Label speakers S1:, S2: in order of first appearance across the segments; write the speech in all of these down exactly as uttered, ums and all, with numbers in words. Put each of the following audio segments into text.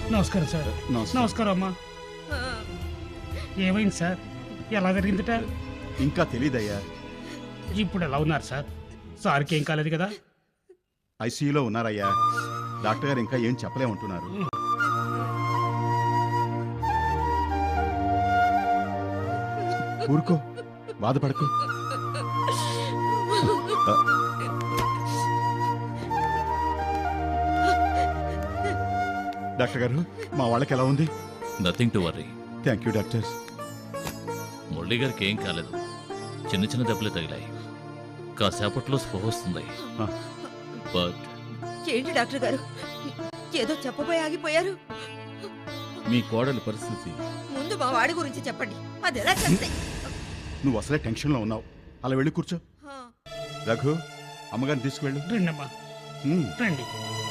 S1: నమస్కారం సార్. నమస్కారం అమ్మా. ఏమైంది సార్? ఎలా జరిగిందిట?
S2: ఇంకా తెలీదయ్యా.
S1: ఇప్పుడు ఎలా ఉన్నారు సార్? సార్కి ఏం కాలేదు కదా?
S2: ఐసీయూలో ఉన్నారయ్యా. డాక్టర్ గారు ఇంకా ఏం చెప్పలేమంటున్నారు. ఊరుకో, బాధపడకు. డాక్టర్ గారు, మా వాళ్ళకి ఎలా ఉంది?
S3: Nothing to worry.
S2: Thank you doctor.
S3: Murali గారికి ఏం కాలేదు, చిన్న చిన్న దెబ్బలే తగిలాయి. కాసేపట్లో స్పృహ వస్తుంది. బట్
S4: ఏంటి డాక్టర్ గారు, ఏదో చెప్పబోయి ఆగిపోయారు?
S5: మీ కోడలి పరిస్థితి
S4: ముందు మా వాడి గురించి చెప్పండి. అది ఎలా చెప్తాయి?
S2: నువ్వు అసలే టెన్షన్లో ఉన్నావు. అలా వెళ్ళి కూర్చో. రఘు, అమ్మగారిని తీసుకువెళ్ళు.
S1: రండి అమ్మా, రండి.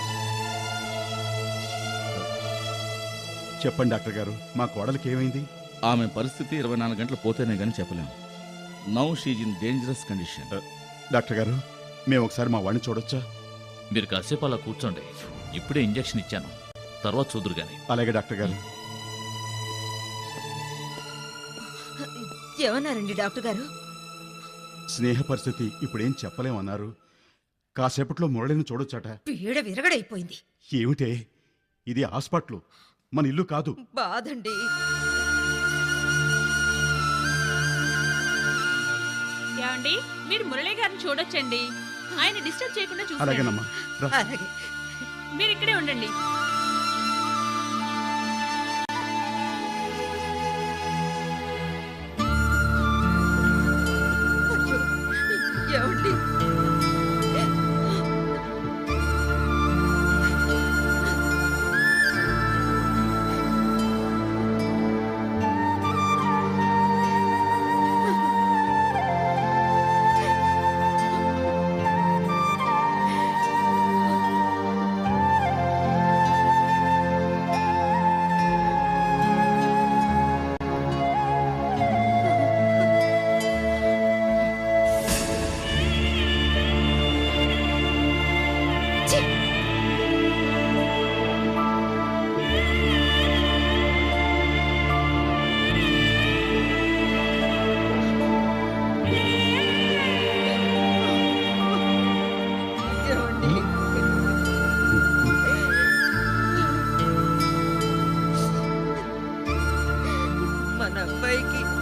S2: చెప్పండి డాక్టర్ గారు, మా కోడలికి ఏమైంది?
S5: ఆమె పరిస్థితి ఇరవై నాలుగు గంటలు పోతేనే కానీ చెప్పలేం. Now she's in dangerous condition.
S2: Doctor గారు, మేము ఒకసారి మా వాడిని చూడొచ్చా?
S3: మీరు కాసేపు అలా కూర్చోండి. ఇప్పుడే ఇంజెక్షన్ ఇచ్చాను, తర్వాత చూదురు గాని.
S2: అలాగే డాక్టర్ గారు.
S4: ఏమన్నారండి డాక్టర్ గారు?
S2: స్నేహ పరిస్థితి ఇప్పుడేం చెప్పలేమన్నారు. కాసేపట్లో మురళిని చూడొచ్చట.
S4: పీడ విరగడైపోయింది.
S2: ఏమిటే, ఇది హాస్పిటల్, మన ఇల్లు కాదు.
S4: బాధండి.
S6: ఏమండి, మీరు మురళి గారిని చూడొచ్చండి. ఆయన డిస్టర్బ్ చేయకుండా చూడండి.
S2: అలాగేనమ్మా.
S4: అలాగే.
S6: మీరు ఇక్కడే ఉండండి.
S4: ఏమండి, మన అబ్బాయికి